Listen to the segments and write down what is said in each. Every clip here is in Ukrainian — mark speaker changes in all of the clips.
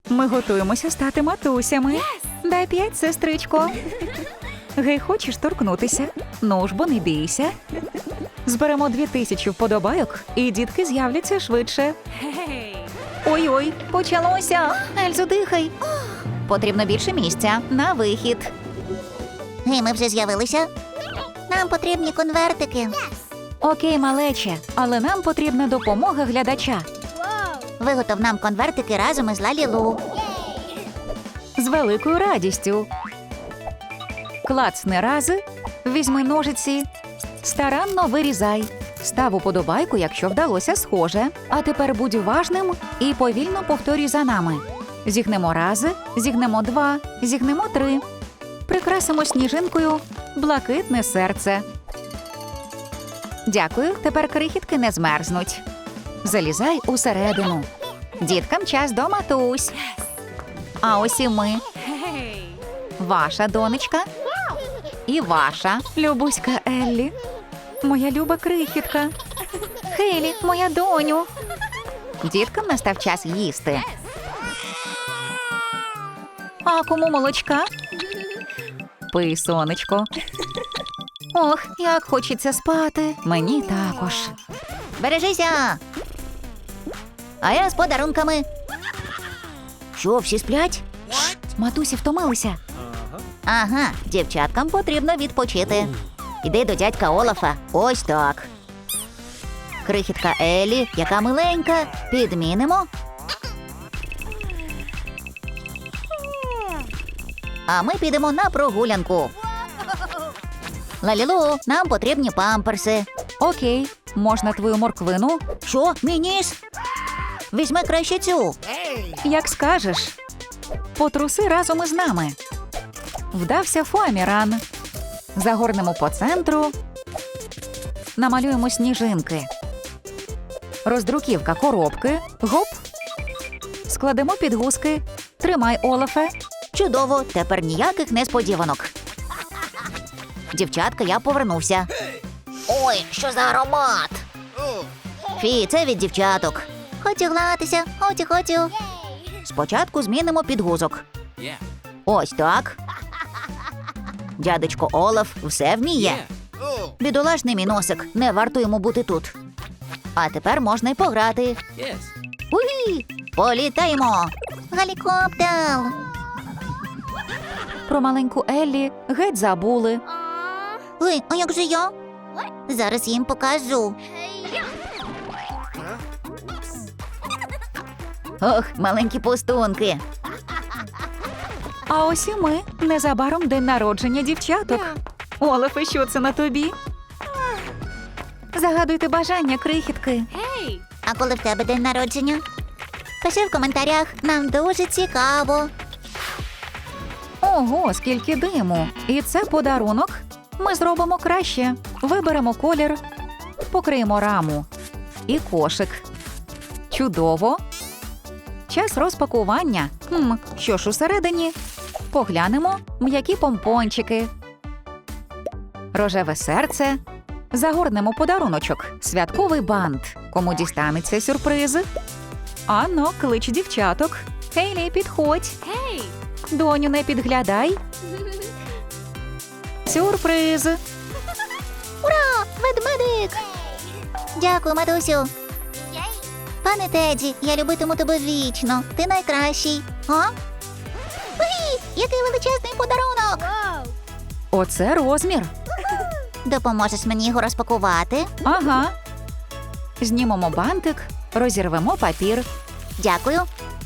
Speaker 1: Ми готуємося стати матусями. Дай 5, сестричко. Гей, хочеш торкнутися? Ну ж бо не бійся. Зберемо 2000 вподобайок, і дітки з'являться швидше. Ой-ой, почалося. Ельзо, дихай. Потрібно більше місця на вихід.
Speaker 2: Гей, ми вже з'явилися. Нам потрібні конвертики.
Speaker 1: Окей, малече, але нам потрібна допомога глядача.
Speaker 2: Виготов нам конвертики разом із Лалілу.
Speaker 1: З великою радістю. Клацни рази, візьми ножиці, старанно вирізай. Став уподобайку, якщо вдалося схоже. А тепер будь уважним і повільно повторюй за нами. Зігнемо рази, зігнемо 2, зігнемо 3. Прикрасимо сніжинкою блакитне серце. Дякую, тепер крихітки не змерзнуть. Залізай усередину. Діткам час до матусь. А ось і ми. Ваша донечка. І ваша. Любуська Еллі. Моя люба крихітка. Хейлі, моя доню. Діткам настав час їсти. А кому молочка? Пий, сонечко. Ох, як хочеться спати. Мені також.
Speaker 2: Бережися! А я з подарунками. Що, всі сплять?
Speaker 1: Матусі втомилися.
Speaker 2: Ага, дівчаткам потрібно відпочити. Іди до дядька Олафа. Ось так. Крихітка Еллі, яка миленька, підмінимо. А ми підемо на прогулянку. Лалілу, нам потрібні памперси.
Speaker 1: Окей, можна твою морквину?
Speaker 2: Що, мій ніс? Візьми краще цю.
Speaker 1: Як скажеш. Потруси разом із нами. Вдався фоаміран. Загорнемо по центру. Намалюємо сніжинки. Роздруківка коробки. Гоп. Складемо підгузки. Тримай, Олафе.
Speaker 2: Чудово, тепер ніяких несподіванок. Дівчатка, я повернувся. Ой, що за аромат? Фі, це від дівчаток. Хочу гратися, хочу. Спочатку змінимо підгузок. Ось так. Дядечко Олаф все вміє. Бідолашний мій носик, не варто йому бути тут. А тепер можна й пограти. Уї! Політаємо! Гелікоптер!
Speaker 1: Про маленьку Еллі геть забули.
Speaker 2: Ой, а як же я? Зараз їм покажу. Ох, маленькі пустунки.
Speaker 1: А ось і ми. Незабаром день народження дівчаток. Олафе, що це на тобі? Загадуйте бажання, крихітки.
Speaker 2: А коли в тебе день народження? Пиши в коментарях, нам дуже цікаво.
Speaker 1: Ого, скільки диму. І це подарунок. Ми зробимо краще. Виберемо колір, покриємо раму. І кошик. Чудово. Час розпакування. Що ж усередині? Поглянемо м'які помпончики. Рожеве серце. Загорнемо подаруночок. Святковий бант. Кому дістанеться сюрприз? Анно, клич дівчаток. Хейлі, підходь. Доню, не підглядай. Сюрприз.
Speaker 2: Ура! Ведмедик! Дякую, матусю. Пане Теді, я любитиму тебе вічно. Ти найкращий. А? Уй, який величезний подарунок!
Speaker 1: Оце розмір.
Speaker 2: Допоможеш мені його розпакувати?
Speaker 1: Ага. Знімемо бантик, розірвемо папір.
Speaker 2: Дякую.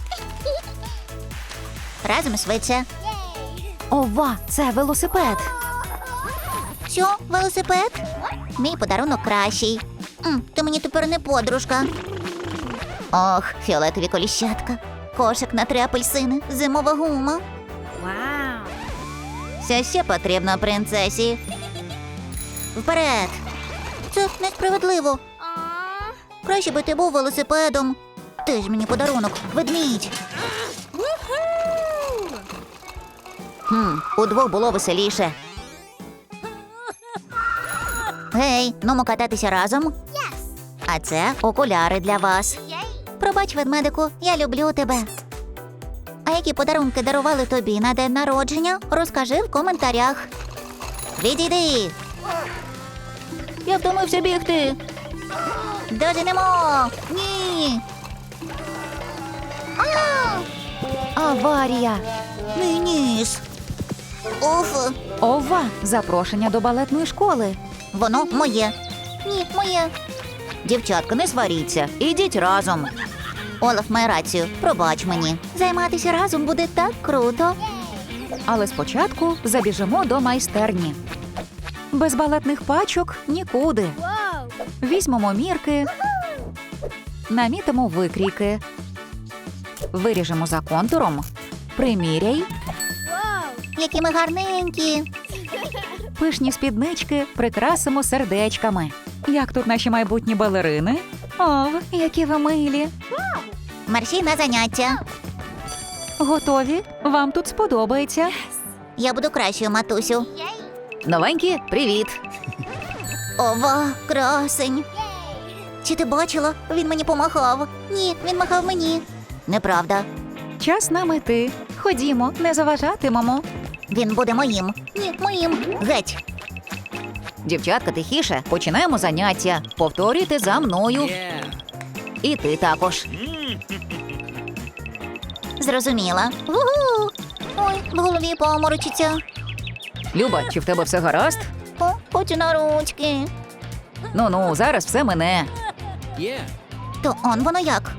Speaker 2: Разом швидше.
Speaker 1: Ова, це велосипед.
Speaker 2: Що, велосипед? Мій подарунок кращий. Ти мені тепер не подружка. Ох, фіолетові коліщатка. Кошик на 3 апельсини, зимова гума. Це ще потрібно принцесі. Вперед! Це несправедливо. Краще би ти був велосипедом. Ти ж мені подарунок, ведмідь. Удвох було веселіше. Гей, нумо кататися разом. А це окуляри для вас. Пробач, ведмедику, я люблю тебе. Які подарунки дарували тобі на день народження? Розкажи в коментарях. Відійди! Я втомився бігти. Доженемо! Ні!
Speaker 1: Аварія.
Speaker 2: Мій ніс! Уф!
Speaker 1: Ова, запрошення до балетної школи.
Speaker 2: Воно моє. Ні, моє.
Speaker 1: Дівчатка, не сваріться. Ідіть разом.
Speaker 2: Олаф має рацію. Пробач мені. Займатися разом буде так круто.
Speaker 1: Але спочатку забіжимо до майстерні. Без балетних пачок нікуди. Візьмемо мірки, намітимо викрійки, виріжемо за контуром, приміряй,
Speaker 2: Які ми гарненькі.
Speaker 1: пишні спіднички прикрасимо сердечками. Як тут наші майбутні балерини? О, які ви милі!
Speaker 2: Мерщій на заняття.
Speaker 1: Готові? Вам тут сподобається?
Speaker 2: Я буду кращою, матусю.
Speaker 1: Новенькі, привіт!
Speaker 2: Ова, красень. Чи ти бачила? Він мені помахав. Ні, він махав мені. Неправда.
Speaker 1: Час нам іти. Ходімо, не заважатимемо.
Speaker 2: Він буде моїм. Ні, моїм. Геть.
Speaker 1: Дівчатка, тихіше, починаємо заняття. Повторюйте за мною. І ти також.
Speaker 2: Зрозуміла. Вугу! Ой, в голові поморочиться.
Speaker 1: Люба, чи в тебе все гаразд?
Speaker 2: О, хочу на ручки.
Speaker 1: Ну, зараз все мине.
Speaker 2: То он воно як?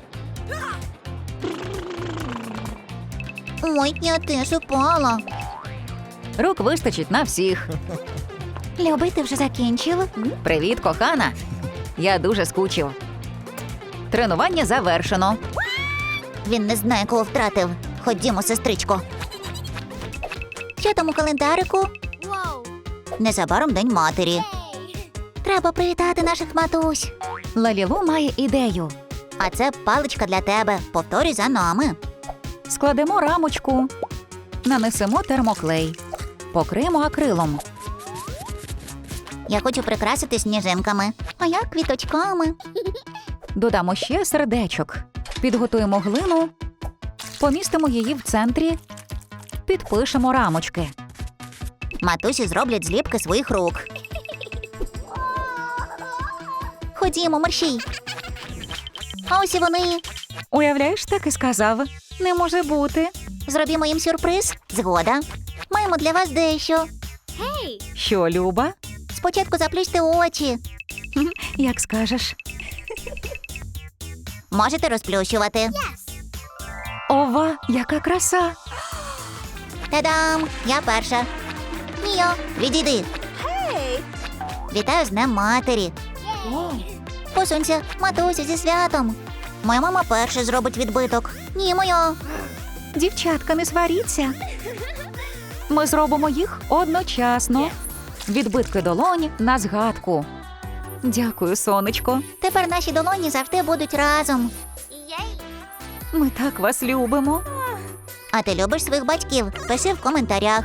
Speaker 2: Ой, я теж упала.
Speaker 1: Рук вистачить на всіх.
Speaker 2: Любий, ти вже закінчив?
Speaker 1: Привіт, кохана. Я дуже скучив. Тренування завершено.
Speaker 2: Він не знає, кого втратив. Ходімо, сестричко. Що там у календарику? Незабаром День матері. Треба привітати наших матусь.
Speaker 1: Лалілу має ідею.
Speaker 2: А це паличка для тебе. Повторюй за нами.
Speaker 1: Складемо рамочку, нанесемо термоклей, покриємо акрилом.
Speaker 2: Я хочу прикрасити сніжинками. А я квіточками.
Speaker 1: Додамо ще сердечок. Підготуємо глину, помістимо її в центрі, підпишемо рамочки.
Speaker 2: Матусі зроблять зліпки своїх рук. Ходімо, мерщій. А ось і вони.
Speaker 1: Уявляєш, так і сказав. Не може бути.
Speaker 2: Зробімо їм сюрприз. Згода. Маємо для вас дещо.
Speaker 1: Що, Люба?
Speaker 2: Спочатку заплющте очі.
Speaker 1: Як скажеш.
Speaker 2: Можете розплющувати.
Speaker 1: Ова, яка краса!
Speaker 2: Та-дам! Я перша. Міо, відійди. Вітаю з Днем матері. Посунься, матусю, зі святом. Моя мама перша зробить відбиток. Ні, моя.
Speaker 1: Дівчатка, не сваріться. Ми зробимо їх одночасно. Відбитки долонь на згадку. Дякую, сонечко.
Speaker 2: Тепер наші долоні завжди будуть разом.
Speaker 1: Ми так вас любимо.
Speaker 2: А ти любиш своїх батьків? Пиши в коментарях.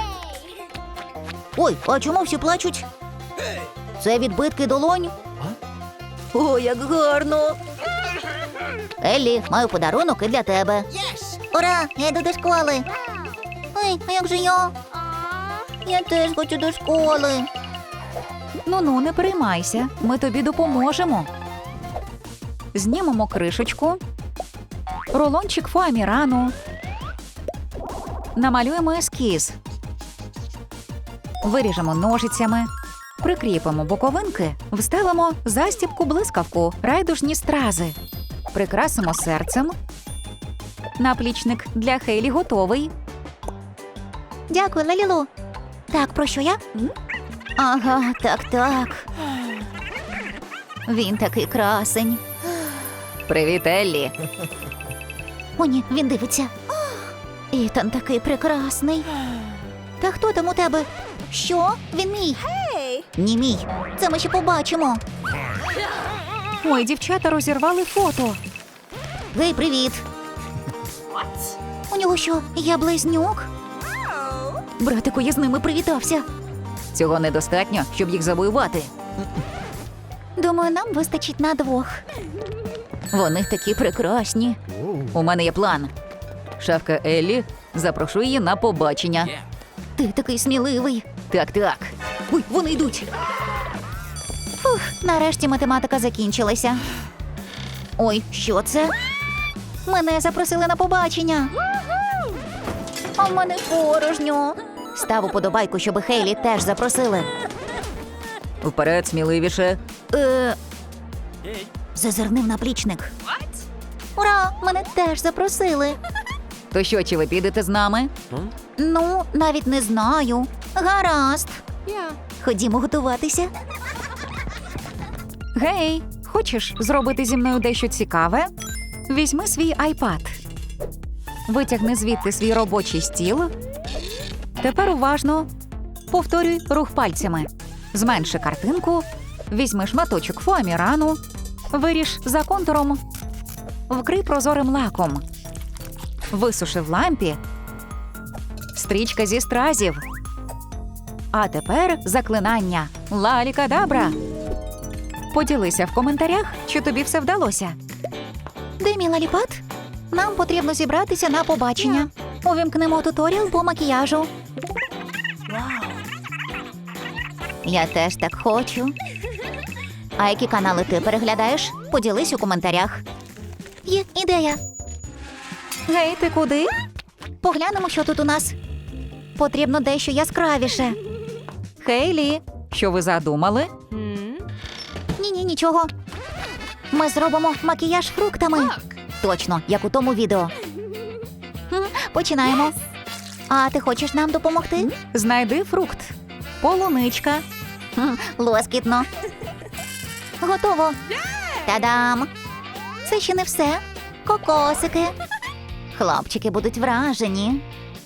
Speaker 1: Ой, а чому всі плачуть? Це відбитки долонь? О, як гарно!
Speaker 2: Еллі, маю подарунок і для тебе. Ура! Я йду до школи. Ой, а як же я? Я теж хочу до школи.
Speaker 1: Ну, не переймайся, ми тобі допоможемо. Знімемо кришечку, рулончик фоамірану, намалюємо ескіз, виріжемо ножицями, прикріпимо боковинки, вставимо застібку-блискавку, райдужні стрази, прикрасимо серцем. Наплічник для Хейлі готовий.
Speaker 2: Дякую, Лалілу. Так, про що я? Ага, так. Він такий красень.
Speaker 1: Привіт, Еллі.
Speaker 2: О, ні, він дивиться. Ітан такий прекрасний. Та хто там у тебе? Що? Він мій? Ні, мій. Це ми ще побачимо.
Speaker 1: Ой, дівчата розірвали фото.
Speaker 2: Гей, привіт. У нього що, я близнюк?
Speaker 1: Братику, я з ними привітався. Цього недостатньо, щоб їх завоювати.
Speaker 2: Думаю, нам вистачить на двох.
Speaker 1: Вони такі прекрасні. У мене є план. Шефка Еллі, запрошу її на побачення.
Speaker 2: Ти такий сміливий.
Speaker 1: Так.
Speaker 2: Ой, вони йдуть. Фух, нарешті математика закінчилася. Ой, що це? Мене запросили на побачення. А в мене порожньо. Став уподобайку, щоб Хейлі теж запросили.
Speaker 1: Вперед, сміливіше.
Speaker 2: Зазирнив наплічник. Ура! Мене теж запросили.
Speaker 1: То що, чи ви підете з нами?
Speaker 2: Ну, навіть не знаю. Гаразд. Ходімо готуватися.
Speaker 1: Гей, хочеш зробити зі мною дещо цікаве? Візьми свій iPad. Витягни звідти свій робочий стіл. Тепер уважно. Повторюй рух пальцями. Зменши картинку. Візьми шматочок фоамірану. Виріж за контуром. Вкрий прозорим лаком. Висуши в лампі. Стрічка зі стразів. А тепер заклинання. Лалікадабра. Поділися в коментарях, чи тобі все вдалося.
Speaker 2: Де мій лаліпад? Нам потрібно зібратися на побачення. Увімкнемо туторіал по макіяжу. Я теж так хочу. А які канали ти переглядаєш? Поділись у коментарях. Є ідея.
Speaker 1: Гей, ти куди?
Speaker 2: Поглянемо, що тут у нас. Потрібно дещо яскравіше.
Speaker 1: Хейлі, що ви задумали?
Speaker 2: Ні, нічого. Ми зробимо макіяж фруктами. Точно, як у тому відео. Починаємо. А ти хочеш нам допомогти?
Speaker 1: Знайди фрукт. Полуничка.
Speaker 2: Лоскітно. Готово. Та-дам! Це ще не все. Кокосики. Хлопчики будуть вражені.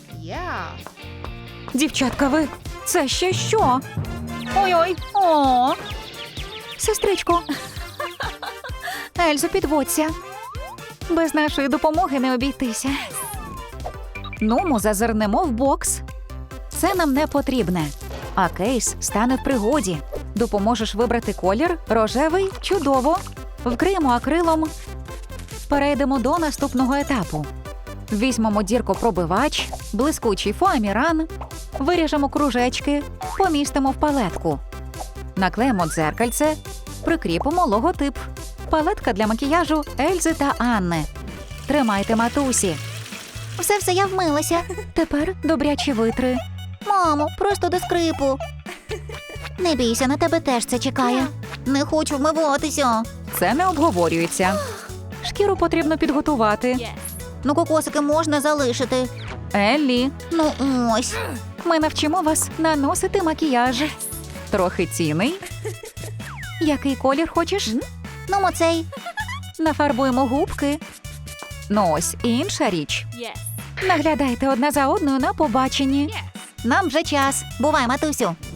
Speaker 1: Дівчатка, ви, це ще що? Ой-ой, о! Сестричко. Ельзо, підводься. Без нашої допомоги не обійтися. Ну, зазирнемо в бокс. Це нам не потрібне. А кейс стане в пригоді. Допоможеш вибрати колір рожевий – чудово. Вкриємо акрилом. Перейдемо до наступного етапу. Візьмемо діркопробивач, блискучий фоаміран, виріжемо кружечки, помістимо в палетку. Наклеїмо дзеркальце, прикріпимо логотип. Палетка для макіяжу Ельзи та Анни. Тримайте, матусі.
Speaker 2: Все, я вмилася.
Speaker 1: Тепер добрячі витри.
Speaker 2: Мамо, просто до скрипу. Не бійся, на тебе теж це чекає. Не хочу вмиватися.
Speaker 1: Це не обговорюється. Шкіру потрібно підготувати.
Speaker 2: Ну, кокосики можна залишити.
Speaker 1: Еллі,
Speaker 2: Ну, ось.
Speaker 1: ми навчимо вас наносити макіяж. Трохи цінний. Який колір хочеш?
Speaker 2: Ну, оцей.
Speaker 1: Нафарбуємо губки. Ну ось інша річ. Наглядайте одна за одною на побаченні.
Speaker 2: Нам вже час. Бувай, матусю.